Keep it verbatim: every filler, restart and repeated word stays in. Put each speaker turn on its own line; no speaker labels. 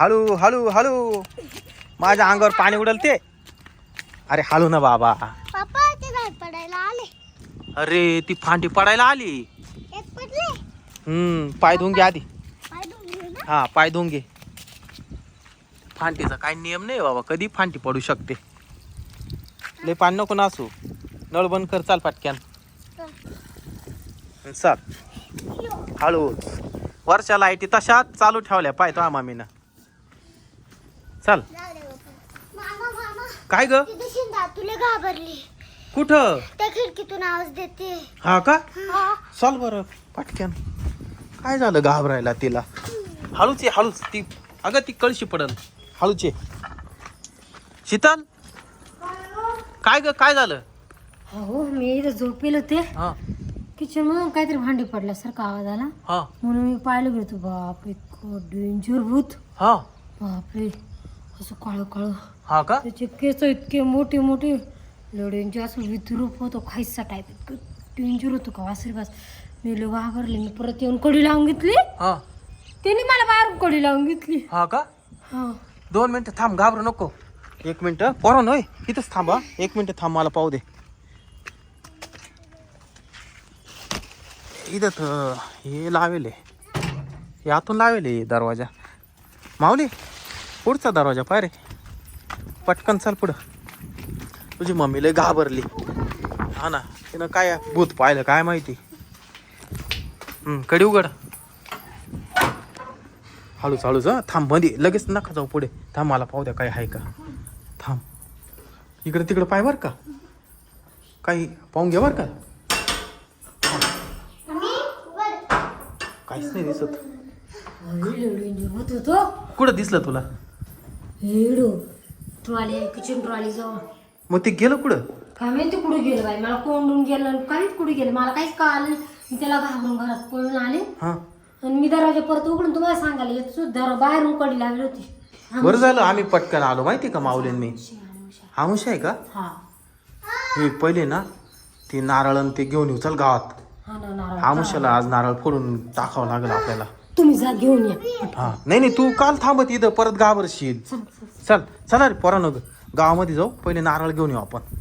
हळू हळू हळू माझ्या अंगावर पाणी उडल ते. अरे हळू ना बाबा.
पप्पा ते झाड पडायला आले.
अरे ती फांदी पडायला आली.
एक पडले.
हम्म पाय धुवून घे आधी.
पाय धुवून घे ना.
हा पाय धुवून घे. फांदीचा काही नियम नाही बाबा, कधी फांदी पडू शकते. लय पाणी नको ना असू. नळ बंद कर, चाल पटक्यान चाल. हळू. वरच्या लाईटी तशाच चालू ठेवल्या पाय तो मामीनं. चल.
जाऊ दे बाप्पा. मामा मामा
काय ग?
तिथे शिंदा तुला घाबरली.
कुठं?
त्या खिडकीतून आवाज देते.
हा का?
हा.
चल बरं पटक्यान. काय झालं घाबरायला तिला? हळूच ये हळूच. ती अगं ती कळशी पडल. हळूच ये. शीतल काय ग काय झालं?
हो मी इथं झोपेल होते.
हा
किचन मधून काहीतरी भांडी पडल्यासारखा आवाज आला.
हा
म्हणून मी पाहिलं गेलो. बापरे इतकं डेंजर भूत.
हा
बापरे असं काळं काळं.
हा का?
त्याचे केस इतके मोठे मोठे. डेंजर असं विद्रूप होतो खायचा टाईप. इतकं डेंजर होतो का वासरी बास. मी लोक घाबरले. मी परत येऊन कडी लावून घेतली.
हा
त्याने मला बाहेरून कडी लावून घेतली.
हा का?
हा
दोन मिनिटं थांब, घाबरू नको. एक मिनिट पोरांनो होय इथंच थांबा. एक मिनिट थांब, मला पाहू दे. इथं तर हे लावेल आहे. हे आतून लावेल आहे दरवाजा. माऊली पुढचा दरवाजा पाय रे. पटकन चाल पुढं. तुझी मम्मी लय घाबरली. हा ना, तिनं काय भूत पाहिलं काय माहिती. हम्म कडी उघड. हळूच हळूच हा. थांब मध्ये लगेच नका जाऊ पुढे. थांब मला पाहू द्या काय आहे का. थांब. इकडे तिकडे पाय बर का. काही पाहून घे बर का. काहीच नाही दिसत.
डेंजर भूत होतो.
कुठं दिसलं तुला?
हेडो ट्रॉली किचन ट्रॉली जवळ.
मग ते गेलं कुठं?
काय माहिती कुठे गेलं बाई. मला कोंडून गेलं काहीच कुठे गेलं मला काहीच कळालं. मी त्याला घाबरून घरात पळून आले.
हा
आणि मी दरवाजा परत उघडून तुम्हाला सांगायला येत सुद्धा बाहेरून कडी लावली होती.
बरं झालं आम्ही पटकन आलो माहिती का माऊलीन मी. आमुष आहे का?
हा
हे पहिले ना ते नारळ आणि ते घेऊन येऊ चल गावात.
हा ना नारळ.
आमुष्याला आज नारळ फोडून टाकावं लागेल आपल्याला.
तुम्ही जा घेऊन या.
हा नाही नाही तू काल थांबत इथं परत घाबरशील. चल चला रे पोरांनो गावामध्ये जाऊ. पहिले नारळ घेऊन येऊ आपण.